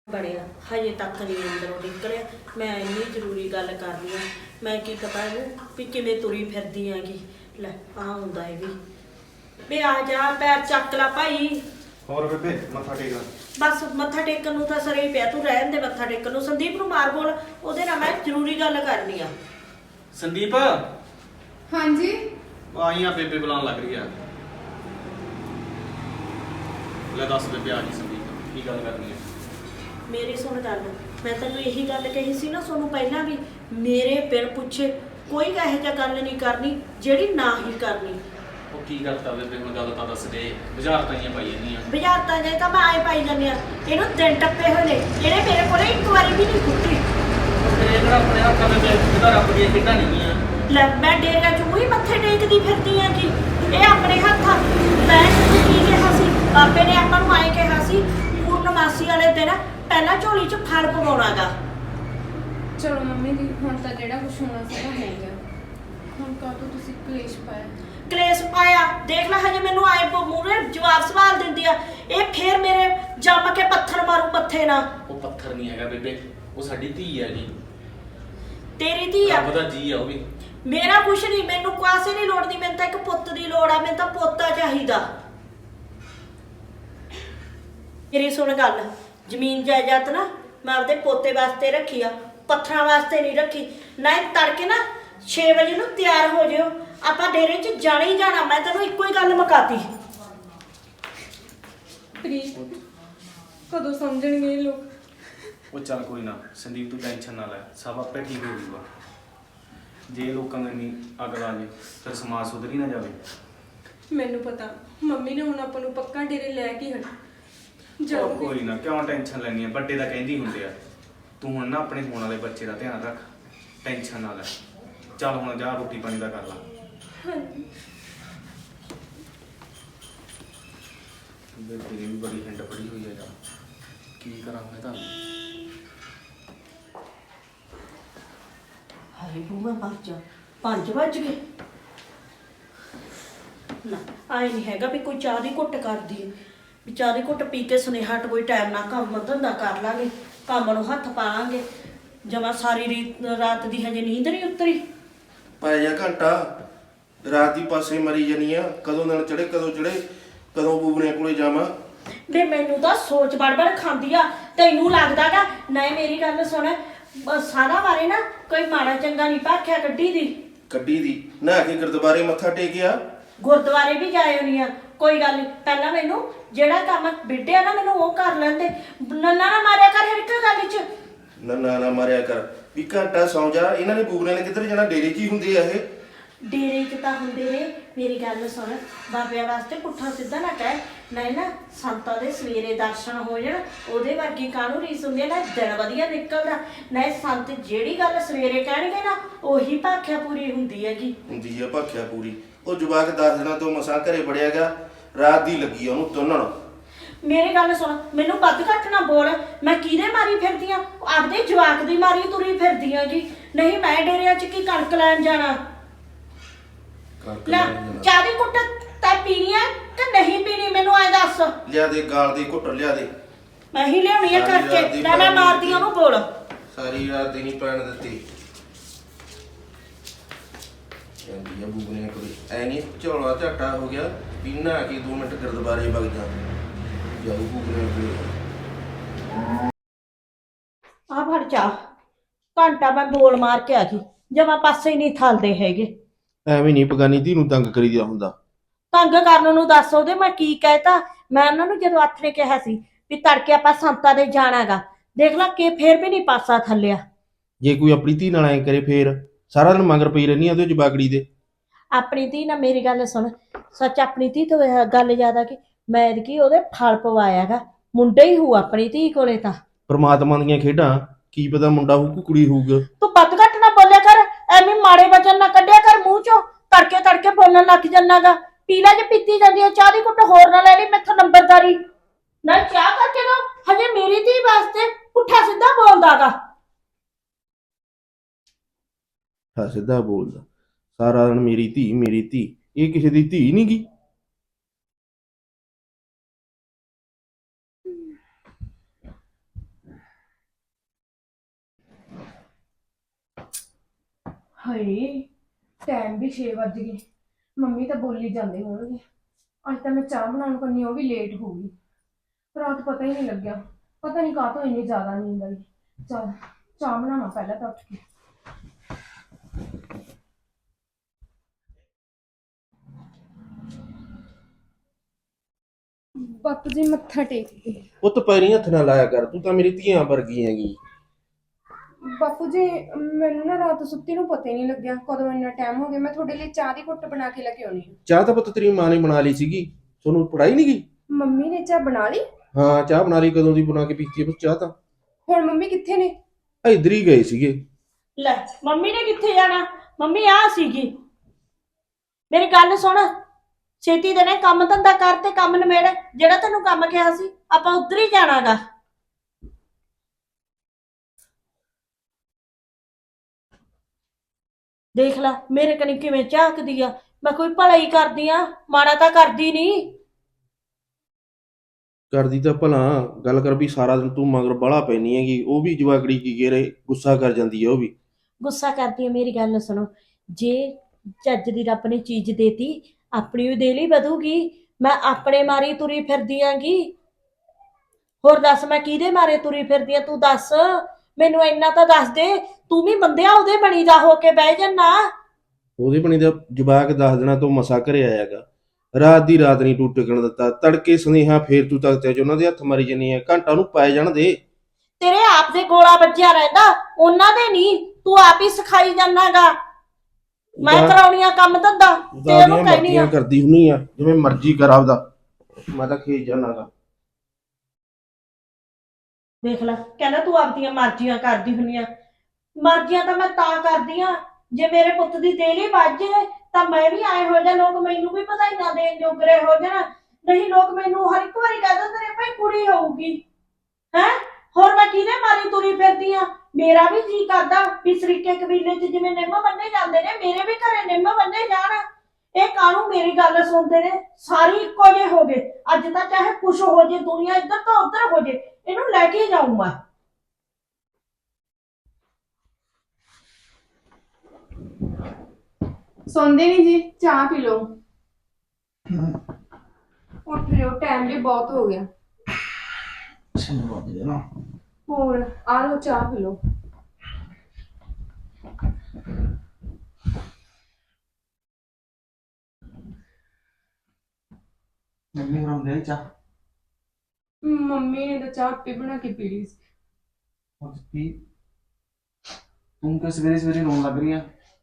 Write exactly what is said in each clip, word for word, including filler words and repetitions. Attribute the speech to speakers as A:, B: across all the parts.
A: ਬਣਿਆ ਹਜੇ ਤੱਕ ਨਹੀਂ ਅੰਦਰੋਂ ਨਿਕਲਿਆ। ਮੈਂ ਇੰਨੀ ਜ਼ਰੂਰੀ ਗੱਲ ਕਰਨੀ ਆ। ਮੈਂ ਕੀ ਪਤਾ ਇਹਨੂੰ ਵੀ ਕਿਵੇਂ ਤੁਰੀ ਫਿਰਦੀ ਹੈਗੀ। ਲੈ ਆ ਹੁੰਦਾ ਇਹ ਵੀ ਵੀ ਆ ਜਾ ਪੈਰ ਚੱਕ ਲਾ ਭਾਈ।
B: ਹੋਰ ਬੇਬੇ ਮੱਥਾ ਟੇਕਣਾ
A: ਬਸ ਮੱਥਾ ਟੇਕਣ ਨੂੰ ਤਾਂ ਸਰੇ ਹੀ ਪਿਆ, ਤੂੰ ਰਹਿਣ ਦੇ ਮੱਥਾ ਟੇਕਣ ਨੂੰ। ਸੰਦੀਪ ਨੂੰ ਮਾਰ ਬੋਲ, ਉਹਦੇ ਨਾਲ ਮੈਂ ਜ਼ਰੂਰੀ ਗੱਲ ਕਰਨੀ ਆ।
B: ਸੰਦੀਪ
C: ਹਾਂਜੀ
B: ਆਈਆਂ ਬੇਬੇ ਬੁਲਾਉਣ ਲੱਗ ਰਹੀ ਆ। ਲੈ ਦੱਸ ਬੇਬੇ ਆ ਗਈ ਸੰਦੀਪ, ਕੀ ਗੱਲ ਕਰਨੀ ਹੈ?
A: ਮੇਰੀ ਸੁਣ ਗੱਲ, ਮੈਂ ਤੈਨੂੰ ਇਹੀ ਗੱਲ ਕਹੀ ਸੀ ਨਾ ਤੁਹਾਨੂੰ ਪਹਿਲਾਂ ਵੀ, ਮੇਰੇ ਬਿਨ ਪੁੱਛੇ ਕੋਈ ਇਹੋ ਜਿਹਾ ਗੱਲ ਨਹੀਂ ਕਰਨੀ ਜਿਹੜੀ ਨਾ ਹੀ ਕਰਨੀ।
B: ਉਹ ਕੀ ਕਰਤਾ ਬੇਬੇ, ਹੁਣ ਗੱਲ ਤਾਂ ਦੱਸ ਦੇ। ਬੁਝਾਰਤਾਂ ਹੀ ਪਾਈ ਜਾਂਦੀਆਂ।
A: ਬੁਝਾਰਤਾਂ ਜੇ ਤਾਂ ਮੈਂ ਆਏ ਪਾਈ ਜਾਂਦੀ ਆ। ਇਹਨੂੰ ਦਿਨ ਟੱਪੇ ਹੋਏ ਨੇ, ਇਹਨੇ ਮੇਰੇ ਕੋਲੇ ਇੱਕ ਵਾਰੀ ਵੀ ਨਹੀਂ ਕੁੱਟੀ।
B: ਇਹ ਕਿਹੜਾ ਆਪਣੇ ਹੱਥਾਂ ਦੇ ਜਿਹਦਾ ਰੱਬ ਦੀਆਂ ਖੇਡਾਂ ਨਹੀਂ ਆ।
A: ਲੈ ਮੈਂ ਡੇਰਿਆਂ ਚ ਉਹੀ ਮੱਥੇ ਟੇਕਦੀ ਫਿਰਦੀ ਆ ਕਿ ਇਹ ਆਪਣੇ ਹੱਥਾਂ। ਮੈਂ ਤੁਹਾਨੂੰ ਕੀ ਕਿਹਾ ਸੀ, ਬਾਬੇ ਨੇ ਆਪਾਂ ਨੂੰ ਆਏ ਕਿਹਾ ਸੀ ਪੂਰਨਮਾਸੀ ਵਾਲੇ ਦਿਨ ਪਹਿਲਾਂ ਝੋਲੀ ਚ ਫਲ ਪਵਾਉਣਾਗਾ।
C: ਚਲੋ ਮੰਮੀ ਜੀ, ਹੁਣ ਤਾਂ ਜਿਹੜਾ ਕੁਛ ਹੋਣਾ ਸੀਗਾ ਹੋ ਗਿਆ। ਹੁਣ ਕਾਹਤੋਂ ਤੁਸੀਂ ਕਲੇਸ਼ ਪਾਇਆ?
A: ਕਲੇਸ਼ ਪਾਇਆ ਦੇਖ ਲੈ, ਹਜੇ ਮੈਨੂੰ ਆਏ ਮੂਹਰੇ ਜਵਾਬ ਸਵਾਲ ਦਿੰਦੀ ਆ। ਇਹ ਫੇਰ ਮੇਰੇ ਜੰਮ ਕੇ ਪੱਥਰ ਮਾਰੂ ਮੱਥੇ ਨਾਲ।
B: ਉਹ ਪੱਥਰ ਨਹੀਂ ਹੈਗਾ ਬੇਬੇ, ਉਹ ਸਾਡੀ ਧੀ ਹੈ ਜੀ।
A: ਤੇਰੀ ਧੀ ਆ?
B: ਰੱਬ ਦਾ ਜੀ ਆ ਉਹ ਵੀ।
A: ਮੇਰਾ ਕੁਛ ਨਹੀਂ, ਮੈਨੂੰ ਕਾਸੇ ਨਹੀਂ ਲੋੜ ਦੀ। ਮੈਨੂੰ ਤਾਂ ਇੱਕ ਪੁੱਤ ਦੀ ਲੋੜ ਆ। ਮੈਨੂੰ ਤਾਂ ਪੋਤਾ ਚਾਹੀਦਾ। ਮੇਰੀ ਸੁਣ ਗੱਲ, ਜ਼ਮੀਨ ਜਾਇਦਾਦ ਨਾ ਮੈਂ ਆਪਦੇ ਪੋਤੇ ਵਾਸਤੇ ਰੱਖੀ ਆ, ਪੱਥਰਾਂ ਵਾਸਤੇ ਨਹੀਂ ਰੱਖੀ। ਨਾ ਤੜਕੇ ਨਾ ਛੇ ਵਜੇ ਨੂੰ ਤਿਆਰ ਹੋ ਜਿਓ, ਆਪਾਂ ਡੇਰੇ 'ਚ ਜਾਣਾ ਹੀ ਜਾਣਾ। ਮੈਂ ਤੈਨੂੰ ਇੱਕੋ ਹੀ ਗੱਲ ਮੁਕਾਤੀ।
C: ਪ੍ਰੀਤ, ਕਦੋਂ ਸਮਝਣਗੇ ਇਹ ਲੋਕ?
B: ਉਹ ਚੱਲ ਕੋਈ ਨਾ ਸੰਦੀਪ, ਤੂੰ ਟੈਨਸ਼ਨ ਨਾ ਲੈ, ਸਭ ਆਪੇ ਠੀਕ ਹੋ ਜਾਊਗਾ। ਜੇ ਲੋਕਾਂ ਨੂੰ ਇੰਨੀ ਅੱਗ ਲਾ ਜੇ ਫਿਰ ਸਮਾਜ ਸੁਧਰ ਹੀ ਨਾ ਜਾਵੇ।
C: ਮੈਨੂੰ ਪਤਾ ਮੰਮੀ ਨੇ ਹੁਣ ਆਪਾਂ ਨੂੰ ਪੱਕਾ ਡੇਰੇ ਲੈ ਕੇ ਹਟ
B: ਉਹ
C: ਜਾਊਗੀ।
B: ਕੋਈ ਨਾ, ਕਿਉਂ ਟੈਨਸ਼ਨ ਲੈਣੀ ਆ? ਵੱਡੇ ਤਾਂ ਕਹਿੰਦੀ ਹੁੰਦੇ ਆ। ਤੂੰ ਹੁਣ ਨਾ ਆਪਣੇ ਹੋਣ ਵਾਲੇ ਬੱਚੇ ਦਾ ਧਿਆਨ ਰੱਖ, ਟੈਨਸ਼ਨ ਨਾ ਲੈ। ਚੱਲ ਹੁਣ ਜਾ ਰੋਟੀ ਪਾਣੀ ਦਾ ਕਰ ਲਾ।
C: ਹਾਂਜੀ
B: ਬੇਬੇ ਦੀ ਵੀ ਬੜੀ ਹਿੰਡ ਪੜੀ ਹੋਈ ਆ ਯਾਰ, ਕੀ ਕਰਾਂ ਮੈਂ ਤਾਂ।
A: ਹਾਏ ਬੂ ਮੈਂ ਮਰ ਜਾ, ਪੰਜ ਵੱਜ ਗਏ। ਨਾ ਆਏ ਨਹੀਂ ਹੈਗਾ ਵੀ ਕੋਈ ਚਾਹ ਦੀ ਘੁੱਟ ਕਰਦੀ ਹੈ, ਵੀ ਚਾਹ ਦੀ ਘੁੱਟ ਪੀ ਕੇ ਸੁਨੇਹਾ ਹਟ ਕੋਈ ਟਾਈਮ ਨਾਲ ਕੰਮ ਧੰਦਾ ਕਰ ਲਾਂਗੇ, ਕੰਮ ਨੂੰ ਹੱਥ ਪਾਵਾਂਗੇ। ਜਮਾ ਸਾਰੀ ਰੀਤ ਰਾਤ ਦੀ ਹਜੇ ਨੀਂਦ ਨਹੀਂ ਉਤਰੀ।
D: ਪੈ ਜਾ ਘੰਟਾ, ਰਾਤ ਦੀ ਪਾਸੇ ਮਰੀ ਜਾਨੀ ਆ। ਕਦੋਂ ਦਿਨ ਚੜੇ ਕਦੋਂ ਚੜੇ, ਕਦੋਂ ਬੂਬਨੇ ਕੋਲੇ ਜਾਵਾਂ।
A: ਵੇ ਮੈਨੂੰ ਤਾਂ ਸੋਚ ਬੜਬੜ ਖਾਂਦੀ ਆ। ਤੈਨੂੰ ਲੱਗਦਾਗਾ ਨਾ? ਮੇਰੀ ਗੱਲ ਸੁਣ, ਸਾਰਾ ਬਾਰੇ ਨਾ ਕੋਈ ਮਾੜਾ ਚੰਗਾ ਨਹੀਂ ਭਾਖਿਆ ਕੱਢੀ ਦੀ।
D: ਕੱਢੀ ਦੀ ਨਹਾ ਕੇ ਗੁਰਦੁਆਰੇ ਮੱਥਾ ਟੇਕਿਆ।
A: ਗੁਰਦੁਆਰੇ ਵੀ ਜਾਏ ਹੋਣੀ ਆ, ਕੋਈ ਗੱਲ ਨਹੀਂ। ਪਹਿਲਾਂ ਮੈਨੂੰ ਜਿਹੜਾ ਕੰਮ ਬਿੱਡਿਆ ਨਾ ਮੈਨੂੰ ਉਹ ਕਰ ਲੈਂਦੇ। ਨੰਨਾ ਨਾ ਮਾਰਿਆ ਕਰ ਹਰ ਇੱਕ ਗੱਲ 'ਚ।
D: ਨੰਨਾ ਨਾ ਮਾਰਿਆ ਕਰ ਵੀ ਘੰਟਾ ਸੌਂ ਜਾ। ਇਹਨਾਂ ਨੇ ਬੂਬਨੇ ਨੇ ਕਿੱਧਰ ਜਾਣਾ? ਡੇਰੇ 'ਚ ਹੀ ਹੁੰਦੇ ਆ ਇਹ।
A: ਡੇਰੇ 'ਚ ਤਾਂ ਹੁੰਦੇ ਨੇ। ਮੇਰੀ ਗੱਲ ਸੁਣ, ਬਾਬਿਆਂ ਵਾਸਤੇ ਪੁੱਠਾ ਸਿੱਧਾ ਨਾ ਕਹਿ। ਨਹੀਂ ਨਾ ਸੰਤਾਂ ਦੇ ਸਵੇਰੇ ਦਰਸ਼ਨ ਹੋ ਜਾਣ, ਉਹਦੇ ਵਰਗੀ ਕਾਹਨੂੰ ਰੀਸ ਹੁੰਦੀ ਹੈ ਨਾ। ਦਿਨ ਵਧੀਆ ਨਿਕਲਦਾ ਨਾ। ਸੰਤ ਜਿਹੜੀ ਗੱਲ ਸਵੇਰੇ ਕਹਿਣਗੇ ਨਾ ਉਹੀ ਭਾਖਿਆ ਪੂਰੀ ਹੁੰਦੀ ਹੈਗੀ।
D: ਹੁੰਦੀ ਆ ਭਾਖਿਆ ਪੂਰੀ। ਉਹ ਜਵਾਕ ਦਸ ਦਿਨਾਂ ਤੋਂ ਮਸਾਂ ਘਰੇ ਵੜਿਆ ਗਾ, ਰਾਤ ਦੀ ਲੱਗੀ ਆ ਉਹਨੂੰ ਤੁੰਨਣ।
A: ਮੇਰੀ ਗੱਲ ਸੁਣ, ਮੈਨੂੰ ਵੱਧ ਘੱਟ ਨਾ ਬੋਲ। ਮੈਂ ਕਿਹਦੇ ਮਾਰੀ ਫਿਰਦੀ ਆ? ਆਪਦੇ ਜਵਾਕ ਦੀ ਮਾਰੀ ਤੁਰੀ ਫਿਰਦੀ ਆ ਜੀ। ਨਹੀਂ ਮੈਂ ਡੇਰਿਆਂ 'ਚ ਕੀ ਕਣਕ ਲੈਣ ਜਾਣਾ? ਲੈ ਚਾਹ ਦੀ ਕੁੱਟ ਤੈ ਪੀਣੀ ਆ ਕਿ ਨਹੀਂ ਪੀਣੀ ਮੈਨੂੰ ਐ ਦੱਸ।
D: ਲਿਆ ਦੇ ਗਾਲ ਦੀ ਘੁੱਟ ਲਿਆ ਦੇ।
A: ਮੈਂ ਹੀ ਲਿਆਉਣੀ ਆ
D: ਸਾਰੀ ਰਾਤ
A: ਕਰਕੇ।
D: ਦੀ
A: ਨਾ ਮੈਂ ਮਾਰਦੀ ਉਹਨੂੰ ਬੋਲ।
D: ਸਾਰੀ ਰਾਤ ਦੀ ਨਹੀਂ ਪੈਣ ਦਿੱਤੀ। ਕਹਿੰਦੀ ਆ ਬੂਬਨੇ ਕੋਲੇ ਐ ਨਹੀਂ ਝੋਲਾ ਝਾਟਾ ਹੋ ਗਿਆ ਵੀ ਨਹਾ ਕੇ ਦੋ ਮਿੰਟ ਗੁਰਦੁਆਰੇ ਵਗ ਜਾ। ਜਾਊ ਬੂਬਨੇ ਕੋਲੇ।
A: ਆ ਫੜ ਚਾਹ। ਘੰਟਾ ਮੈਂ ਬੋਲ ਮਾਰ ਕੇ ਆ ਗਈ, ਜਮਾ ਪਾਸੇ ਹੀ ਨਹੀਂ ਥਲਦੇ ਹੈਗੇ।
D: ਐਵੇਂ ਨਹੀਂ ਬਗਾਨੀ ਧੀ ਨੂੰ ਤੰਗ ਕਰੀਦਾ ਹੁੰਦਾ।
A: ਤੰਗ ਕਰਨ ਨੂੰ ਦੱਸ ਉਹਦੇ ਮੈਂ ਕੀ ਕਹਿਤਾ? ਮੈਂ ਉਹਨਾਂ ਨੂੰ ਜਦੋਂ ਹੱਥ ਨੇ ਕਿਹਾ ਸੀ ਵੀ ਤੜਕੇ ਆਪਾਂ ਸੰਤਾਂ ਦੇ ਜਾਣਾਗਾ, ਦੇਖ ਲਾ ਕਿ ਫੇਰ ਵੀ ਨਹੀਂ ਪਾਸਾ ਥੱਲਿਆ।
D: ਜੇ ਕੋਈ ਆਪਣੀ ਧੀ ਨਾਲ ਐ ਕਰੇ ਫੇਰ ਸਾਰਾ ਦਿਨ ਮਗਰ ਪਈ ਰਹਿੰਦੀ ਆ ਉਹਦੇ ਜਵਾਗੜੀ ਦੇ।
A: ਆਪਣੀ ਧੀ ਨਾਲ ਮੇਰੀ ਗੱਲ ਸੁਣ, ਸੱਚ ਆਪਣੀ ਧੀ ਤੋਂ ਇਹ ਗੱਲ ਜ਼ਿਆਦਾ ਕਿ ਮੈਂ ਕੀ ਉਹਦੇ ਫਲ ਪਵਾਇਆਗਾ। ਮੁੰਡਾ ਹੀ ਹੋਊ ਆਪਣੀ ਧੀ ਕੋਲੇ ਤਾਂ।
D: ਪਰਮਾਤਮਾ ਦੀਆਂ ਖੇਡਾਂ, ਕੀ ਪਤਾ ਮੁੰਡਾ ਹੋਊ ਕਿ ਕੁੜੀ ਹੋਊਗਾ।
A: ਤੂੰ ਵੱਧ ਘੱਟ ਨਾ ਬੋਲਿਆ ਕਰ, ਐਵੇਂ ਮਾੜੇ ਵਚਨ ਨਾ ਕੱਢਿਆ ਕਰ ਮੂੰਹ ਚੋਂ। ਤੜਕੇ ਤੜਕੇ ਬੋਲਣ ਲੱਗ ਜਾਨਾਗਾ। ਪੀਲਾ ਜੇ ਪੀਤੀ ਜਾਂਦੀ ਹੈ ਚਾਹ ਦੀ ਘੁੱਟ ਹੋਰ ਨਾ ਲੈ ਲਈ ਮੈਥੋਂ ਨੰਬਰਦਾਰੀ ਨਾ। ਚਾਹ ਕਰਕੇ ਦੋ ਹਜੇ ਮੇਰੀ ਧੀ ਵਾਸਤੇ ਪੁੱਠਾ ਸਿੱਧਾ ਬੋਲਦਾਗਾ।
D: ਹਾਂ ਸਿੱਧਾ ਬੋਲਦਾ ਸਾਰਾ ਦਿਨ ਮੇਰੀ ਧੀ ਮੇਰੀ ਧੀ। ਇਹ ਕਿਸੇ ਦੀ ਧੀ ਨਹੀਂ ਗੀ।
C: ਹਾਏ ਟਾਈਮ ਵੀ ਛੇ ਵੱਜ ਗਏ। ਮੰਮੀ ਤਾਂ ਬੋਲੀ ਜਾਂਦੇ ਹੋਣਗੇ। ਅੱਜ ਤਾਂ ਮੈਂ ਚਾਹ ਬਣਾਉਣ ਕਰਨੀ ਉਹ ਵੀ ਲੇਟ ਹੋ ਗਈ। ਰਾਤ ਪਤਾ ਹੀ ਨਹੀਂ ਲੱਗਿਆ। ਪਤਾ ਨਹੀਂ ਕਾਹਤੋਂ ਇੰਨੀ ਜ਼ਿਆਦਾ ਨੀਂਦ ਆਈ। ਚੱਲ ਚਾਹ ਬਣਾਵਾਂ ਪਹਿਲਾਂ ਤਾਂ ਉੱਠ ਕੇ। ਬਾਪੂ ਜੀ ਮੱਥਾ ਟੇਕ ਕੇ।
D: ਪੁੱਤ ਪੈਰੀਂ ਹੱਥ ਨਾ ਲਾਇਆ ਕਰ, ਤੂੰ ਤਾਂ ਮੇਰੀ ਧੀਆਂ ਵਰਗੀ ਹੈਗੀ।
C: ਬਾਪੂ ਜੀ ਮੈਨੂੰ ਨਾ ਰਾਤ ਸੁੱਤੀ ਨੂੰ ਪਤਾ ਹੀ ਨਹੀਂ ਲੱਗਿਆ ਕਦੋਂ ਇੰਨਾ ਟਾਈਮ ਹੋ ਗਿਆ। ਮੈਂ ਤੁਹਾਡੇ ਲਈ ਚਾਹ ਦੀ ਘੁੱਟ ਬਣਾ ਕੇ ਲੈ ਕੇ ਆਉਣੀ।
D: ਚਾਹ ਤਾਂ ਪੁੱਤ ਤੇਰੀ ਮਾਂ ਨੇ ਬਣਾ ਲਈ ਸੀਗੀ, ਤੁਹਾਨੂੰ ਪੜਾਈ ਨਹੀਂ ਗਈ?
C: ਮੰਮੀ ਨੇ ਚਾਹ ਬਣਾ ਲਈ?
D: ਹਾਂ ਚਾਹ ਬਣਾ ਲਈ, ਕਦੋਂ ਦੀ ਬਣਾ ਕੇ ਪੀਤੀ ਹੈ ਪੁੱਤ ਚਾਹ ਤਾਂ।
C: ਹੁਣ ਮੰਮੀ ਕਿੱਥੇ ਨੇ?
D: ਇੱਧਰ ਹੀ ਗਏ ਸੀਗੇ।
A: ਲੈ ਮੰਮੀ ਨੇ ਕਿੱਥੇ ਜਾਣਾ? ਮੰਮੀ ਆ ਸੀਗੀ। ਮੇਰੀ ਗੱਲ ਸੁਣ, ਛੇਤੀ ਦੇ ਨੇ ਕੰਮ ਧੰਦਾ ਕਰ ਤੇ ਕੰਮ ਨਿਬੇੜ। ਜਿਹੜਾ ਤੈਨੂੰ ਕੰਮ ਕਿਹਾ ਸੀ ਆਪਾਂ ਉੱਧਰ ਹੀ ਜਾਣਾਗਾ। ਦੇਖ ਲੈ ਮੇਰੇ ਕਨੀ ਕਿਵੇਂ ਝਾਕਦੀ ਆ। ਮੈਂ ਕੋਈ ਭਲਾਈ ਕਰਦੀ ਆ, ਮਾੜਾ ਤਾਂ ਕਰਦੀ ਨਹੀਂ।
D: ਕਰਦੀ ਤਾਂ ਭਲਾ, ਗੱਲ ਕਰ ਵੀ ਸਾਰਾ ਦਿਨ ਤੂੰ ਮਗਰ ਬਾਹਲਾ ਪੈਣੀ ਹੈਗੀ। ਉਹ ਵੀ ਜਵਾਕੜੀ ਕੀ ਕਰੇ, ਗੁੱਸਾ ਕਰ ਜਾਂਦੀ ਹੈ ਉਹ ਵੀ।
A: ਗੁੱਸਾ ਕਰਦੀ ਆ? ਮੇਰੀ ਗੱਲ ਸੁਣੋ, ਜੇ ਚੱਜ ਦੀ ਰੱਬ ਨੇ ਚੀਜ਼ ਦੇਤੀ ਆਪਣੀ ਵੀ ਦੇ ਲਈ ਵਧੂਗੀ। ਮੈਂ ਆਪਣੇ ਮਾਰੀ ਤੁਰੀ ਫਿਰਦੀ ਆਂਗੀ। ਹੋਰ ਦੱਸ ਮੈਂ ਕਿਹਦੇ ਮਾਰੇ ਤੁਰੀ ਫਿਰਦੀ ਆ? ਤੂੰ ਦੱਸ ਮੈਨੂੰ, ਇੰਨਾ ਤਾਂ ਦੱਸ ਦੇ। ਤੂੰ ਵੀ ਬੰਦਿਆ ਉਹਦੇ ਬਣੀ ਦਾ ਹੋ ਕੇ ਬਹਿ ਜਾਨਾ।
D: ਉਹਦੇ ਬਣੀ ਦਾ ਜਵਾਕ ਦਸ ਦਿਨਾਂ ਤੋਂ ਮਸਾ ਘਰੇ ਆਇਆਗਾ। ਰਾਤ ਦੀ ਰਾਤ ਨਹੀਂ ਤੂੰ ਟਿਕਣ ਦਿੱਤਾ। ਤੜਕੇ ਸੁਨੇਹਾ ਫੇਰ ਤੂੰ ਤੱਕ ਤੇ ਉਹਨਾਂ ਦੇ ਹੱਥ ਮਾਰੀ ਜਾਨੀ ਹੈ। ਘੰਟਾ ਨੂੰ ਪੈ ਜਾਣ ਦੇ।
A: ਤੇਰੇ ਆਪ ਦੇ ਗੋਲਾ ਵੱਜਿਆ ਰਹਿੰਦਾ, ਉਹਨਾਂ ਦੇ ਨਹੀਂ। ਤੂੰ ਆਪ ਹੀ ਸਿਖਾਈ ਜਾਨਾਗਾ। ਮੈਂ ਕਰਾਉਣੀਆਂ ਕੰਮ ਧੰਦਾ ਤੇ ਉਹਨੂੰ ਕਹਿਨੀ ਆ
D: ਕਰਦੀ ਹੁੰਨੀ ਆ ਜਿਵੇਂ ਮਰਜ਼ੀ ਕਰ ਆਪਦਾ। ਮੈਂ ਤਾਂ ਖੇਜ ਜਾਣਾਗਾ।
A: ਦੇਖ ਲੈ, ਕਹਿੰਦਾ ਤੂੰ ਆਪਦੀਆਂ ਮਰਜ਼ੀਆਂ ਕਰਦੀ ਹੁੰਨੀ ਆ। ਮਰਜ਼ੀਆਂ ਤਾਂ ਮੈਂ ਤਾਂ ਕਰਦੀ ਆ ਜੇ ਮੇਰੇ ਪੁੱਤ ਦੀ ਦੇਲੀ ਵੱਜ ਜਾਏ ਤਾਂ ਮੈਂ ਵੀ ਆਏ ਹੋ ਜਾ, ਲੋਕ ਮੈਨੂੰ ਵੀ ਵਧਾਈਆਂ ਦੇਣ ਜੋਗਰੇ ਹੋ ਜਾਣ। ਨਹੀਂ ਲੋਕ ਮੈਨੂੰ ਹਰ ਇੱਕ ਵਾਰੀ ਕਹਿ ਦਿੰਦੇ ਨੇ ਭਾਈ ਕੁੜੀ ਹੋਊਗੀ ਹੈ। ਹੋਰ ਮੈਂ ਕਿਹਦੇ ਮਾਰੀ ਤੁਰੀ ਫਿਰਦੀ ਆ? ਮੇਰਾ ਵੀ ਜੀ ਕਰਦਾ ਵੀ ਸਰੀਕੇ ਕਬੀਲੇ 'ਚ ਜਿਵੇਂ ਨਿੰਮ ਬੰਨੇ ਜਾਂਦੇ ਨੇ, ਮੇਰੇ ਵੀ ਘਰੇ ਨਿੰਮ ਬੰਨੇ ਜਾਣ। ਇਹ ਕਾਹਨੂੰ ਮੇਰੀ ਗੱਲ ਸੁਣਦੇ ਨੇ? ਸਾਰੇ ਇੱਕੋ ਜਿਹੇ ਹੋ ਗਏ। ਅੱਜ ਤਾਂ ਚਾਹੇ ਕੁਛ ਹੋ ਜੇ, ਦੁਨੀਆ ਇੱਧਰ ਤੋਂ ਉੱਧਰ ਹੋ ਜੇ, ਇਹਨੂੰ ਲੈ ਕੇ ਜਾਊਂ ਮੈਂ।
C: ਸੌਂਦੇ ਨਹੀਂ ਜੀ? ਚਾਹ ਪੀ ਲਓ। ਉੱਠ ਲਿਓ, ਟਾਈਮ ਵੀ ਬਹੁਤ ਹੋ ਗਿਆ। ਹੋਰ ਆ ਲਓ ਚਾਹ ਪੀ ਲਓ।
B: ਮੰਮੀ ਬਣਾਉਂਦੇ ਆ ਚਾਹ।
C: ਮੰਮੀ ਨੇ ਤਾਂ ਚਾਹ ਆਪੇ ਬਣਾ ਕੇ ਪੀ ਲਈ ਸੀ।
B: ਉਹ ਕੀ ਤੂੰ ਕਿ ਸਵੇਰੇ ਸਵੇਰੇ ਰੋਣ ਲੱਗ ਰਹੀ ਆ?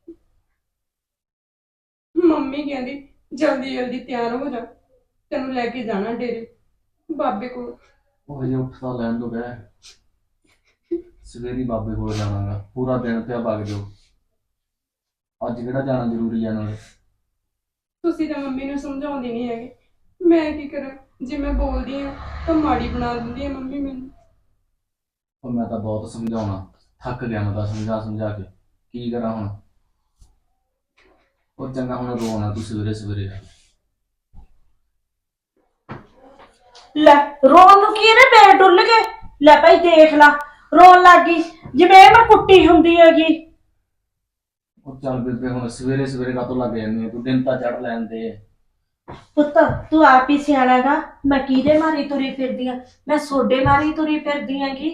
C: ਮੰਮੀ ਕਹਿੰਦੀ ਜਲਦੀ ਜਲਦੀ ਤਿਆਰ ਹੋ ਜਾ, ਤੈਨੂੰ ਲੈ ਕੇ ਜਾਣਾ ਡੇਰੇ ਬਾਬੇ ਕੋਲ।
B: ਉਹ ਹਜੇ ਉੱਠਦਾ ਲੈਣ ਤੋਂ ਬਹਿ। ਸਵੇਰੇ ਬਾਬੇ ਕੋਲ ਜਾਣਾਗਾ, ਪੂਰਾ ਦਿਨ ਪਿਆ ਵਗ ਜਾਓ। ਅੱਜ ਕਿਹੜਾ ਜਾਣਾ ਜ਼ਰੂਰੀ ਆ ਨਾਲੇ?
C: ਤੁਸੀਂ ਤਾਂ ਮੰਮੀ ਨੂੰ ਸਮਝਾਉਂਦੀ ਨਹੀਂ ਹੈਗੇ। ਮੈਂ ਕੀ ਕਰਾਂ? ਜੇ ਮੈਂ ਬੋਲਦੀ ਹਾਂ ਤਾਂ ਮਾੜੀ ਬਣਾ ਦਿੰਦੀ ਹੈ ਮੰਮੀ ਮੈਨੂੰ।
B: ਉਹ ਮੈਂ ਤਾਂ ਬਹੁਤ ਸਮਝਾਉਣਾ, ਥੱਕ ਗਿਆ ਮੈਂ ਤਾਂ ਸਮਝਾ ਸਮਝਾ ਕੇ। ਕੀ ਕਰਾਂ ਹੁਣ? ਉਹ ਚੰਗਾ ਹੁਣ ਰੋਣਾ ਤੂੰ ਸਵੇਰੇ ਸਵੇਰੇ।
A: ਲੈ ਰੋਣ ਨੂੰ ਕੀ ਇਹਨੇ ਪੈਰ ਡੁੱਲ ਗਏ? ਲੈ ਭਾਈ ਦੇਖ ਲਾ, ਰੋਣ ਲੱਗ ਗਈ ਜਿਵੇਂ ਇਹ ਮੈਂ ਕੁੱਟੀ ਹੁੰਦੀ ਹੈਗੀ।
B: ਉਹ ਚੱਲ ਬੇਬੇ ਹੁਣ ਸਵੇਰੇ ਸਵੇਰੇ ਕਾਹਤੋਂ ਲੱਗ ਜਾਂਦੀ ਹੈ? ਤੂੰ ਦਿਨ ਤਾਂ ਚੜ ਲੈਣ ਦੇ।
A: ਪੁੱਤ ਤੂੰ ਆਪ ਹੀ ਸਿਆਣਾ ਗਾ। ਮੈਂ ਕਿਹਦੇ ਮਾਰੀ ਤੁਰੀ ਫਿਰਦੀ ਆ? ਮੈਂ ਸੋਡੇ ਮਾਰੀ ਤੁਰੀ ਫਿਰਦੀ ਆਂਗੀ।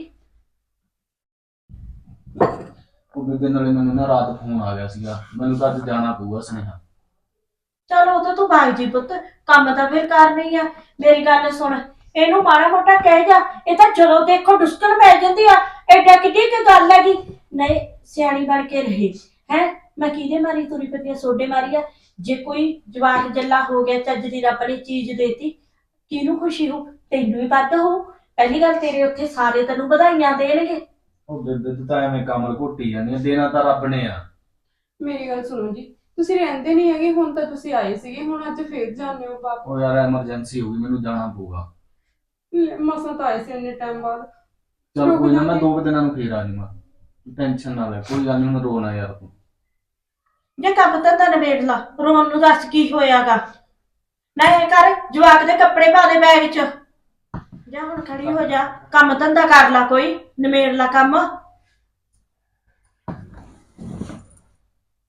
B: ਉਹ ਬੇਬੇ ਨਾਲੇ ਮੈਨੂੰ ਨਾ ਰਾਤ ਫੋਨ ਆ ਗਿਆ ਸੀਗਾ, ਮੈਨੂੰ ਤਾਂ ਅੱਜ ਜਾਣਾ ਪਊਗਾ ਸੁਨੇਹਾ।
A: ਚਲੋ ਉਹ ਤਾਂ ਤੂੰ ਭਾਗ ਜੀ ਪੁੱਤ, ਕੰਮ ਤਾਂ ਫਿਰ ਕਰਨਾ ਹੀ ਆ। ਮੇਰੀ ਗੱਲ ਸੁਣ, ਇਹਨੂੰ ਮਾੜਾ ਮੋਟਾ ਕਹਿ ਜਾ। ਇਹ ਤਾਂ ਜਦੋਂ ਦੇਖੋ ਡੁਸਕਣ ਪੈ ਜਾਂਦੀ ਆ। ਐਡਾ ਕਿੱਡੀ ਕੀ ਗੱਲ ਹੈਗੀ? ਨਹੀਂ ਸਿਆਣੀ ਬਣ ਕੇ ਰਹੇ ਹੈ। ਮੈਂ ਕਿਹਦੇ ਮਾਰੀ ਤੁਰੀ ਫਿਰਦੀ ਆ? ਸੋਡੇ ਮਾਰੀ ਆ। ਜੇ ਕੋਈ ਜਵਾਕ ਜੱਲਾ ਹੋ ਗਿਆ, ਚੱਜ ਦੀ ਰੱਬ ਨੇ ਚੀਜ਼ ਦੇਤੀ, ਕਿਹਨੂੰ ਖੁਸ਼ੀ ਹੋ? ਤੈਨੂੰ ਹੀ ਵੱਧ ਹੋ। ਪਹਿਲੀ ਗੱਲ ਤੇਰੇ ਉੱਥੇ ਸਾਰੇ ਤੈਨੂੰ ਵਧਾਈਆਂ ਦੇਣਗੇ।
B: ਉਹ ਬੇਬੇ ਤੂੰ ਤਾਂ ਐਵੇਂ ਕਮਲ ਘੋਟੀ ਜਾਂਦੀ ਆ, ਦੇਣਾ ਤਾਂ ਰੱਬ ਨੇ ਆ।
C: ਮੇਰੀ ਗੱਲ ਸੁਣੋ ਜੀ, ਤੁਸੀਂ ਰਹਿੰਦੇ ਨਹੀਂ ਹੈਗੇ। ਹੁਣ ਤਾਂ ਤੁਸੀਂ ਆਏ ਸੀਗੇ, ਹੁਣ ਅੱਜ ਫੇਰ ਜਾਂਦੇ ਹੋ ਵਾਪਸ।
B: ਉਹ ਯਾਰ ਐਮਰਜੈਂਸੀ ਹੋ ਗਈ, ਮੈਨੂੰ ਜਾਣਾ ਪਊਗਾ।
C: ਮਸਾਂ ਤਾਂ ਆਏ ਸੀ ਇੰਨੇ ਟਾਈਮ ਬਾਅਦ।
B: ਚਲ ਕੋਈ ਨਾ, ਮੈਂ ਦੋ ਕੁ ਦਿਨਾਂ ਨੂੰ ਫੇਰ ਆ ਜਾਊਂਗਾ। ਟੈਨਸ਼ਨ ਨਾ ਲੈ, ਕੋਈ ਗੱਲ ਨਹੀਂ, ਹੁਣ ਰੋਣਾ ਯਾਰ ਤੂੰ।
A: ਜੇ ਕੰਮ ਤਾਂ ਤਾਂ ਨਿਬੇੜ ਲਾ, ਰੋਣ ਨੂੰ ਦੱਸ ਕੀ ਹੋਇਆਗਾ? ਨਾ ਇਹ ਕਰ, ਜਵਾਕ ਦੇ ਕੱਪੜੇ ਪਾ ਦੇ ਬੈਗ 'ਚ। ਜਾ ਹੁਣ ਖੜੀ ਹੋ ਜਾ, ਕੰਮ ਧੰਦਾ ਕਰ ਲਾ, ਕੋਈ ਨਿਬੇੜ ਲਾ ਕੰਮ।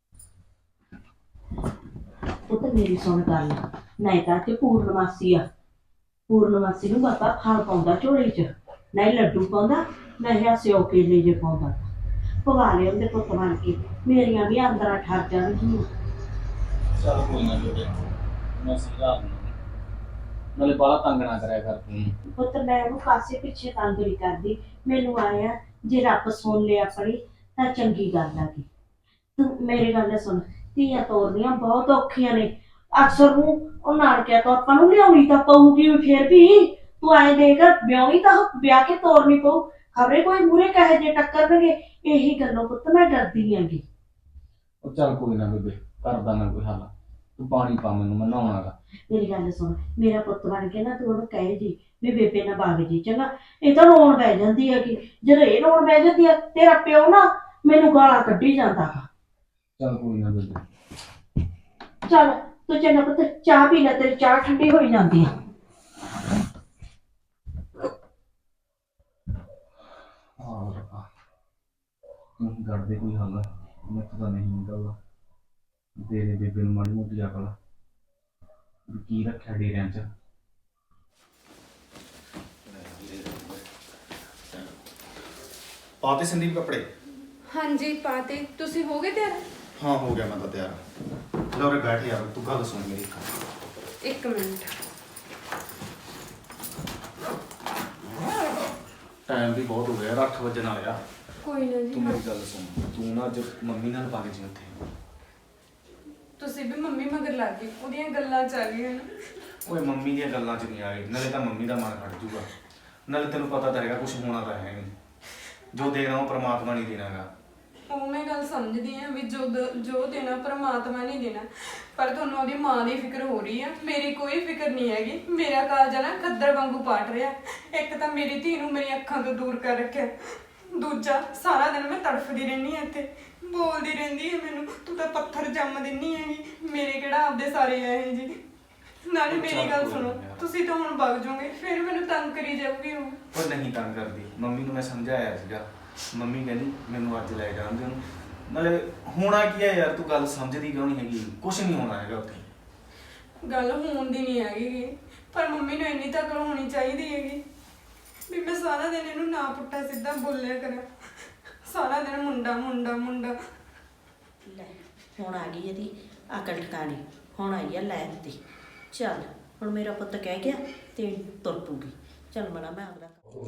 A: ਪੁੱਤ ਮੇਰੀ ਸੁਣ ਗੱਲ, ਨਹੀਂ ਤਾਂ ਤੇ ਪੂਰਨਮਾਸੀ ਆ, ਪੂਰਨਮਾਸੀ ਨੂੰ ਬਾਬਾ ਫਲ ਪਾਉਂਦਾ ਝੋਲੇ 'ਚ, ਨਹੀਂ ਲੱਡੂ ਪਾਉਂਦਾ, ਨਹੀਂ ਆ ਸਿਓ ਕੇਲੇ ਜੇ ਪਾਉਂਦਾ। ਪਵਾ ਲਿਆ ਉਹਦੇ ਪੁੱਤ ਬਣ ਕੇ, ਮੇਰੀਆਂ ਵੀ ਅੰਦਰਾਂ ਠਰ ਜਾਣਗੀਆਂ।
B: ਚੱਲ ਕੋਈ ਨਾ ਬੇਬੇ, ਮੈਂ ਸਮਝਾ ਦਿੰਦਾ। ਨਾਲੇ ਬਾਹਲਾ ਤੰਗ ਨਾ ਕਰਿਆ ਕਰ ਤੂੰ।
A: ਪੁੱਤ ਮੈਂ ਉਹਨੂੰ ਕਾਸੇ ਪਿੱਛੇ ਤੰਗ ਨਹੀਂ ਕਰਦੀ, ਮੈਨੂੰ ਆਇਆ ਜੇ ਰੱਬ ਸੁਣ ਲਿਆ ਆਪਣੀ ਤਾਂ ਚੰਗੀ ਗੱਲ ਆ ਗਈ। ਤੂੰ ਮੇਰੀ ਗੱਲ ਸੁਣ, ਧੀਆਂ ਤੋਰਨੀਆਂ ਬਹੁਤ ਔਖੀਆਂ ਨੇ, ਅਕਸਰ ਨੂੰ ਉਹ ਨਾਨਕਿਆਂ ਤੋਂ ਆਪਾਂ ਨੂੰ ਲਿਆਉਣੀ ਤਾਂ ਪਊਗੀ, ਫਿਰ ਵੀ ਤੂੰ ਆਏ ਦੇਖ ਵਿਆਹਣੀ ਤਾਂ ਵਿਆਹ ਕੇ ਤੋਰਨੀ ਪਊ, ਖਬਰੇ ਕੋਈ ਮੂਹਰੇ ਕਹੇ ਜੇ ਟੱਕਰਨਗੇ, ਇਹੀ ਗੱਲੋਂ ਪੁੱਤ ਮੈਂ ਡਰਦੀ ਆਂਗੀ।
B: ਉਹ ਚੱਲ ਕੋਈ ਨਾ ਬੇਬੇ, ਕਰਦਾ ਮੈਂ ਕੋਈ ਹੱਲ। ਤੂੰ ਪਾਣੀ ਪਾ ਮੈਨੂੰ, ਮੈਂ ਨਹਾਉਣਾਗਾ।
A: ਮੇਰੀ ਗੱਲ ਸੁਣ, ਮੇਰਾ ਪੁੱਤ ਬਣ ਕੇ ਨਾ ਤੂੰ ਉਹਨੂੰ ਕਹੇ ਜੀ ਵੀ ਬੇਬੇ ਨਾ ਬਾਗ ਜੀ, ਚੰਗਾ? ਇਹ ਤਾਂ ਰੋਣ ਬਹਿ ਜਾਂਦੀ ਹੈਗੀ, ਜਦੋਂ ਇਹ ਰੋਣ ਬਹਿ ਜਾਂਦੀ ਹੈ ਤੇਰਾ ਪਿਓ ਨਾ ਮੈਨੂੰ ਗਾਲਾਂ ਕੱਢੀ ਜਾਂਦਾ ਵਾ।
B: ਚੱਲ ਕੋਈ ਨਾ ਬੇਬੇ।
A: ਚੱਲ ਤੂੰ ਚੰਗਾ ਪੁੱਤ ਚਾਹ ਪੀ ਲੈ, ਤੇਰੀ ਚਾਹ ਠੰਡੀ ਹੋਈ ਜਾਂਦੀ ਆ।
B: ਹਾਂ ਰੱਬਾ, ਤੂੰ ਕਰਦੇ ਕੋਈ ਹੱਲ, ਮੈਂ ਤਾਂ ਨਹੀਂ ਨਿਕਲਦਾ। ਦੇ ਦੇ ਬੇਬੇ ਨੂੰ ਮਾੜੀ ਮੋਟੀ ਅਕਲ, ਵੀ ਕੀ ਰੱਖਿਆ ਡੇਰਿਆਂ 'ਚ।
E: ਪਾਤੇ ਸੰਦੀਪ ਕੱਪੜੇ?
C: ਹਾਂਜੀ ਪਾਤੇ, ਤੁਸੀਂ ਹੋ ਗਏ ਤਿਆਰ?
E: ਹਾਂ ਹੋ ਗਿਆ ਮੈਂ ਤਾਂ ਤਿਆਰ। ਲਓ ਰੇ ਬੈਠ ਯਾਰ, ਤੂੰ ਗੱਲ ਸੁਣ ਮੇਰੀ।
C: ਇੱਕ ਮਿੰਟ।
E: ਟਾਈਮ ਵੀ ਬਹੁਤ ਹੋ ਗਿਆ, ਅੱਠ ਵਜੇ ਨਾਲ ਆ।
C: ਕੋਈ ਨਾ ਜੀ।
E: ਤੂੰ ਮੇਰੀ ਗੱਲ ਸੁਣ, ਤੂੰ ਨਾ ਅੱਜ ਮੰਮੀ ਨਾਲ ਪਾ ਕੇ ਜੀ ਉੱਥੇ।
C: ਤੁਸੀਂ ਵੀ ਮੰਮੀ ਮਗਰ ਲੱਗ ਗਏ, ਉਹਦੀਆਂ ਗੱਲਾਂ ਚ ਆ ਗਏ।
E: ਓਏ ਮੰਮੀ ਦੀਆਂ ਗੱਲਾਂ 'ਚ ਨਹੀਂ ਆ ਗਈ, ਨਾਲੇ ਤਾਂ ਮੰਮੀ ਦਾ ਮਨ ਖੜ ਜੂਗਾ, ਨਾਲੇ ਤੈਨੂੰ ਪਤਾ ਤਾਂ ਹੈਗਾ ਕੁਝ ਹੋਣਾ ਤਾਂ ਹੈ ਨਹੀਂ, ਜੋ ਦੇਣਾ ਉਹ ਪ੍ਰਮਾਤਮਾ ਨਹੀਂ ਦੇਣਾਗਾ।
C: ਉਹ ਮੈਂ ਗੱਲ ਸਮਝਦੀ ਆ ਵੀ ਜੋ ਦ- ਜੋ ਦੇਣਾ ਪਰਮਾਤਮਾ ਨਹੀਂ ਦੇਣਾ, ਪਰ ਤੁਹਾਨੂੰ ਉਹਦੀ ਮਾਂ ਦੀ ਫਿਕਰ ਹੋ ਰਹੀ ਆ, ਮੇਰੀ ਕੋਈ ਫਿਕਰ ਨਹੀਂ ਹੈਗੀ। ਮੇਰਾ ਕਾਲਜਾ ਨਾ ਖੱਦਰ ਵਾਂਗੂ ਪਾਟ ਰਿਹਾ। ਇੱਕ ਤਾਂ ਮੇਰੀ ਧੀ ਨੂੰ ਮੇਰੀ ਅੱਖਾਂ ਤੋਂ ਦੂਰ ਕਰ ਰੱਖਿਆ, ਦੂਜਾ ਸਾਰਾ ਦਿਨ ਮੈਂ ਤੜਫਦੀ ਰਹਿੰਦੀ ਆ, ਇੱਥੇ ਬੋਲਦੀ ਰਹਿੰਦੀ ਹੈ ਮੈਨੂੰ, ਤੂੰ ਤਾਂ ਪੱਥਰ ਜੰਮ ਦਿੰਨੀ ਹੈਗੀ, ਮੇਰੇ ਕਿਹੜਾ ਆਪਦੇ ਸਾਰੇ ਆਏ ਜੀ। ਨਾਲੇ ਮੇਰੀ ਗੱਲ ਸੁਣੋ, ਤੁਸੀਂ ਤਾਂ ਹੁਣ ਵਗ ਜਾਓਗੇ, ਫਿਰ ਮੈਨੂੰ ਤੰਗ ਕਰੀ ਜਾਊਗੀ ਉਹ।
E: ਉਹ ਨਹੀਂ ਤੰਗ ਕਰਦੀ, ਮੰਮੀ ਨੂੰ ਮੈਂ ਸਮਝਾਇਆ ਸੀਗਾ, ਮੰਮੀ ਕਹਿੰਦੀ ਮੈਨੂੰ ਅੱਜ ਲੈ ਜਾਣਦੇ ਉਹਨੂੰ। ਨਾਲੇ ਹੋਣਾ ਕੀ ਹੈ ਯਾਰ, ਤੂੰ ਗੱਲ ਸਮਝਦੀ ਕਿਉਂ ਨਹੀਂ ਹੈਗੀ? ਕੁਝ ਨਹੀਂ ਹੋਣਾ ਹੈਗਾ ਉੱਥੇ।
C: ਗੱਲ ਹੋਣ ਦੀ ਨਹੀਂ ਹੈਗੀ, ਪਰ ਮੰਮੀ ਨੂੰ ਇੰਨੀ ਤਾਂ ਅਕਲ ਹੋਣੀ ਚਾਹੀਦੀ ਹੈਗੀ ਵੀ ਮੈਂ ਸਾਰਾ ਦਿਨ ਇਹਨੂੰ ਨਾ ਪੁੱਠਾ ਸਿੱਧਾ ਬੋਲਿਆ ਕਰਾਂ, ਸਾਰਾ ਦਿਨ ਮੁੰਡਾ ਮੁੰਡਾ ਮੁੰਡਾ।
A: ਲੈ ਹੁਣ ਆ ਗਈ ਇਹਦੀ ਅਕਲ ਠਿਕਾਣੇ, ਹੁਣ ਆਈ ਆ ਲੈਣ ਤੇ। ਚੱਲ ਹੁਣ ਮੇਰਾ ਪੁੱਤ ਕਹਿ ਗਿਆ ਤੇ ਤੁਰ ਪੂਗੀ। ਚੱਲ ਮਣਾ ਮੈਂ ਆਪਦਾ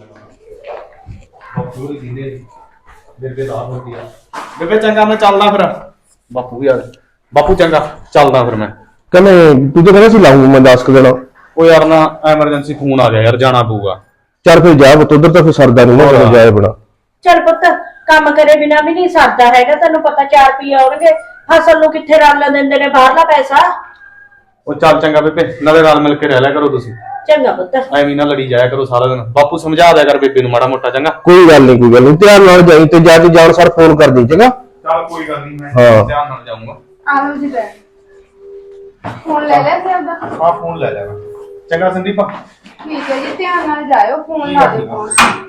B: ਬਾਪੂ ਵੀ ਦਿੰਦੇ ਬੇਬੇ ਦਾ ਹੋਤੀ ਆ।
E: ਬੇਬੇ ਚੰਗਾ ਮੈਂ ਚੱਲਦਾ ਫਿਰ।
B: ਬਾਪੂ ਵੀ ਆ ਗਿਆ। ਬਾਪੂ ਚੰਗਾ ਚੱਲਦਾ ਫਿਰ ਮੈਂ।
F: ਕਹਿੰਦੇ ਤੂੰ ਤਾਂ ਕਹਿੰਦਾ ਸੀ ਲਾਊਂ ਮੈਂ ਦਸ ਕੁ ਦਿਨ।
B: ਉਹ ਯਾਰ ਨਾ ਐਮਰਜੈਂਸੀ ਫੋਨ ਆ ਗਿਆ ਯਾਰ, ਜਾਣਾ ਪਊਗਾ।
F: ਚੱਲ ਫਿਰ ਜਾ ਪੁੱਤ, ਉਧਰ ਤਾਂ ਫਿਰ ਸਰਦਾ ਨਹੀਂ ਨਾ ਕਿਤੇ ਜਾਏ ਬਣਾ।
A: ਚੱਲ ਪੁੱਤ ਕੰਮ ਕਰੇ ਬਿਨਾ ਵੀ ਨਹੀਂ ਸਰਦਾ ਹੈਗਾ, ਤੈਨੂੰ ਪਤਾ ਚਾਰ ਰੁਪਏ ਆਉਣਗੇ, ਫਸਲ ਨੂੰ ਕਿੱਥੇ ਰਲ ਦਿੰਦੇ ਨੇ ਬਾਹਰਲਾ ਪੈਸਾ।
B: ਉਹ ਚੱਲ ਚੰਗਾ ਬੇਬੇ, ਨਾਲੇ ਰਲ ਮਿਲ ਕੇ ਰਹਿ ਲਿਆ ਕਰੋ ਤੁਸੀਂ,
A: ਚੰਗਾ ਪੁੱਤ।
B: ਐਵੇਂ ਨਾ ਲੜੀ ਜਾਇਆ ਕਰੋ ਸਾਰਾ ਦਿਨ। ਬਾਪੂ ਸਮਝਾ ਦਿਆ ਕਰ ਬੇਬੇ ਨੂੰ ਮਾੜਾ ਮੋਟਾ, ਚੰਗਾ?
F: ਕੋਈ ਗੱਲ ਨਹੀਂ, ਕੋਈ ਗੱਲ ਨਹੀਂ, ਧਿਆਨ ਨਾਲ ਜਾਈ ਤੇ ਜਾ ਕੇ ਜਾਣ ਸਰ ਫੋਨ ਕਰ ਦੀ, ਚੰਗਾ?
B: ਚੱਲ ਕੋਈ ਗੱਲ ਨਹੀਂ, ਮੈਂ
F: ਹਾਂ।
B: ਧਿਆਨ ਨਾਲ ਜਾਊਂਗਾ।
C: ਆਲੋ ਜੀ ਬੈ ਫੋਨ ਲੈ ਲਿਆ ਸੀ ਆਪਦਾ?
B: ਆਹ ਫੋਨ ਲੈ ਲਿਆ ਮੈਂ। ਚੰਗਾ ਸੰਦੀਪ।
C: ਠੀਕ ਹੈ ਜੀ, ਧਿਆਨ ਨਾਲ ਜਾਇਓ, ਫੋਨ ਲਾ ਦਿਓ।